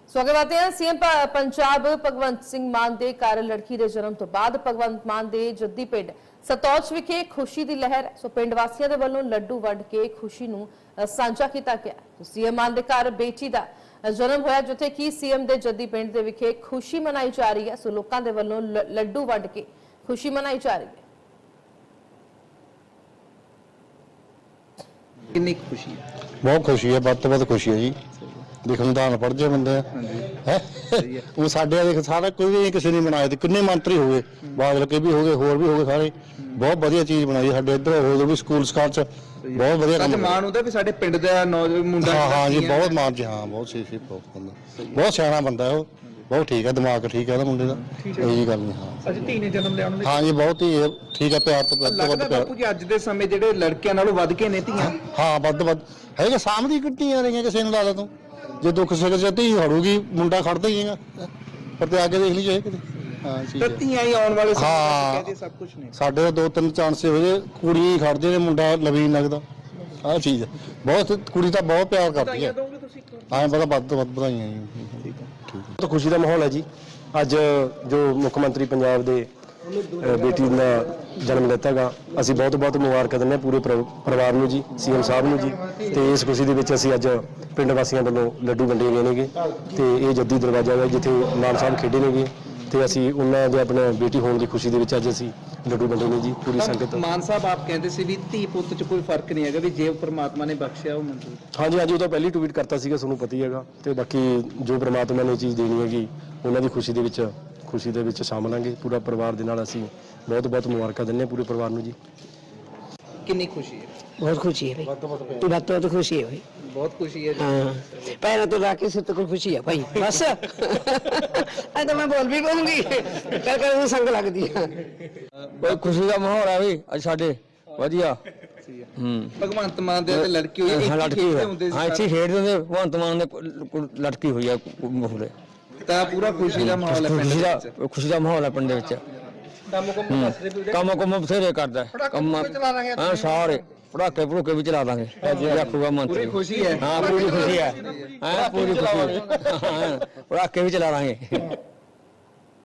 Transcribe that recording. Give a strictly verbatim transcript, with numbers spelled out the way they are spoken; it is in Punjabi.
ਸੋ ਅੱਗੇ ਵਧਦੇ ਹਾਂ। ਸੀਐਮ ਪੰਜਾਬ ਭਗਵੰਤ ਸਿੰਘ ਮਾਨ ਦੇ ਘਰ ਲੜਕੀ ਦੇ ਜਨਮ ਤੋਂ ਬਾਅਦ ਭਗਵੰਤ ਮਾਨ ਦੇ ਜੱਦੀ ਪਿੰਡ ਸਤੌਜ ਵਿਖੇ ਖੁਸ਼ੀ ਦੀ ਲਹਿਰ ਹੈ। ਸੋ ਪਿੰਡ ਵਾਸੀਆਂ ਦੇ ਵੱਲੋਂ ਲੱਡੂ ਵੰਡ ਕੇ ਖੁਸ਼ੀ ਨੂੰ ਸਾਂਝਾ ਕੀਤਾ ਗਿਆ। ਸੀਐਮ ਮਾਨ ਦੇ ਘਰ ਬੇਟੀ ਦਾ ਜਨਮ ਹੋਇਆ, ਜਿੱਥੇ ਕਿ ਸੀਐਮ ਦੇ ਜੱਦੀ ਪਿੰਡ ਦੇ ਵਿਖੇ ਖੁਸ਼ੀ ਮਨਾਈ ਜਾ ਰਹੀ ਹੈ। ਸੋ ਲੋਕਾਂ ਦੇ ਵੱਲੋਂ ਲੱਡੂ ਵੰਡ ਕੇ ਖੁਸ਼ੀ ਮਨਾਈ ਜਾ ਰਹੀ ਹੈ। ਕਿੰਨੀ खुशी है? बहुत खुशी है, बहुत बहुत खुशी है जी। देखो निदान पढ़ जाए बंदे है वो साढ़े देख सारा कोई भी किसी ने बनाए थे, किन्ने मंत्री हो गए, बादल के भी हो गए, होर भी हो गए, सारे बहुत बढ़िया चीज बनाई साढ़े इधर हो भी स्कूल स्काल च बहुत बढ़िया काम। ਮਾਣ ਹੁੰਦਾ ਵੀ ਸਾਡੇ ਪਿੰਡ ਦਾ ਨੌਜਵਾਨ ਮੁੰਡਾ हाँ हाँ जी बहुत मान जी, हाँ बहुत सही सही बहुत बंदा बहुत सियाना बंदा है वो, बहुत ठीक है, दिमाग ठीक है ना मुंडे का, यही गल नहीं। हाँ ਅੱਜ ਧੀ ਨੇ ਜਨਮ ਲਿਆ ਉਹਨਾਂ हाँ जी बहुत ही ठीक है, प्यार तो ਦੇ ਲੱਗਦਾ ਬਾਪੂ ਜੀ ਅੱਜ ਦੇ ਸਮੇਂ ਜਿਹੜੇ ਲੜਕਿਆਂ ਨਾਲੋਂ ਵੱਧ ਕੇ ਨੇ ਧੀਆਂ। हाँ ਵੱਧ ਵੱਧ ਹੈਗੇ ਸਾਹਮਣੇ ਕੱਟੀਆਂ ਰਹੀਆਂ, ਕਿਸੇ ਨੂੰ ਲਾ ਲਾ ਤੂੰ ਜੇ ਦੁੱਖ ਸੁੱਖ ਚ ਧੀ ਹੜੂਗੀ ਮੁੰਡਾ ਖੜਦਾ ਹੀ ਹੈਗਾ, ਪਰ ਤੇ ਅੱਗੇ ਦੇਖ ਲਈ ਜਾਏ ਕਿਤੇ। ਹਾਂ ਠੀਕ ਤਾਂ ਹੈ, ਧੀਆਂ ਹੀ ਆਉਣ ਵਾਲੇ ਸਮੇਂ ਹਾਂ। ਵਿੱਚ ਕਹਿੰਦੇ ਸਭ ਕੁਝ ਨੇ। ਸਾਡੇ ਤਾਂ ਦੋ ਤਿੰਨ ਚਾਂਸ ਹੋ ਜੇ ਕੁੜੀ ਖੜਦੇ ਨੇ, ਮੁੰਡਾ ਲਵੀ ਨਹੀਂ ਲੱਗਦਾ। ਆਹ ਚੀਜ਼ ਹੈ, ਬਹੁਤ ਕੁੜੀ ਤਾਂ ਬਹੁਤ ਪਿਆਰ ਕਰਦੀ ਹੈ। ਦੋਗੇ ਤੁਸੀਂ ਹਾਂ ਪਤਾ ਵੱਧ ਤੋਂ ਵੱਧ ਵਧਾਈਆਂ ਜੀ। ਠੀਕ ਹੈ। तो खुशी का माहौल है जी। अज जो मुख्यमंत्री पंजाब दे बेटी का जन्म लेता गा, असी बहुत बहुत मुबारक दें पूरे परिवार में जी, सीएम साहब ने जी। तो इस खुशी के असी अज पिंड वासियों वालों लड्डू वंडे गए ने, तो ये जद्दी दरवाजा है जिथे मान साहब खेडे ने, तो असी उन्होंने अपने बेटी होने की खुशी के अज असी लड्डू वंडे ने जी पूरी संगत। ਮਾਨ ਸਾਹਿਬ ਆਪ ਕਹਿੰਦੇ ਸੀ ਵੀ ਧੀ ਪੁੱਤ ਚ ਕੋਈ ਫਰਕ ਨਹੀਂ ਹੈਗਾ, ਵੀ ਜੇ ਪ੍ਰਮਾਤਮਾ ਨੇ ਬਖਸ਼ਿਆ ਉਹ ਮਨਜ਼ੂਰ। हाँ जी हाँ जी, वो तो पहली ट्वीट करता सीगा, ਤੁਹਾਨੂੰ ਪਤਾ ਹੀ ਹੈਗਾ। ਤੇ ਬਾਕੀ ਜੋ ਪ੍ਰਮਾਤਮਾ ਨੇ ਚੀਜ਼ ਦੇਣੀ ਹੈਗੀ ਉਹਨਾਂ ਦੀ ਖੁਸ਼ੀ ਦੇ ਵਿੱਚ ਖੁਸ਼ੀ ਦੇ ਵਿੱਚ ਸ਼ਾਮਲ ਆਂਗੇ ਪੂਰਾ ਪਰਿਵਾਰ ਦੇ ਨਾਲ। ਅਸੀਂ ਬਹੁਤ ਬਹੁਤ ਮੁਬਾਰਕਾਂ ਦਿੰਦੇ ਹਾਂ ਪੂਰੇ ਪਰਿਵਾਰ ਨੂੰ ਜੀ। ਕਿੰਨੀ ਖੁਸ਼ੀ ਹੈ? बहुत खुशी है भाई, बात तो, तो खुशी है भाई। बहुत खुशी है। हाँ पहले तो राकेश से तो कोई खुशी है भाई बस अरे तो मैं बोल भी कहूंगी कर कर संग लग दिया। कोई खुशी का माहौल है भाई आज साडे वधिया। हम्म ਭਗਵੰਤ ਮਾਨ ਦੇ ਤੇ ਲੜਕੀ ਹੋਈ हाँ ਇੱਕ लड़की ਖੇਡਦੇ है, ਹੁੰਦੇ हाँ ਸੀ इसी खेड दे भगवंत मान ने लड़की हुई है मुहरे। ਤਾਂ ਪੂਰਾ ਖੁਸ਼ੀ ਦਾ ਮਾਹੌਲ ਹੈ ਪਿੰਡ खुशी ਦੇ का ਵਿੱਚ। खुशी का माहौल है पिंड विच। ਕੰਮ ਕੁਮ ਬਥੇਰੇ ਕਰਦਾ ਕੰਮ ਹਾਂ ਸਾਰੇ ਪੜਾਕੇ ਪੜੂਕੇ ਵੀ ਚਲਾ ਦਾਂਗੇ ਰੱਖੂਗਾ ਮੰਤਰੀ। ਪੂਰੀ ਖੁਸ਼ੀ ਹੈ। ਹਾਂ ਪੂਰੀ ਖੁਸ਼ੀ ਹੈ, ਹਾਂ ਪੂਰੀ ਖੁਸ਼ੀ ਹੈ, ਪੜਾਕੇ ਵੀ ਚਲਾ ਦਾਂਗੇ।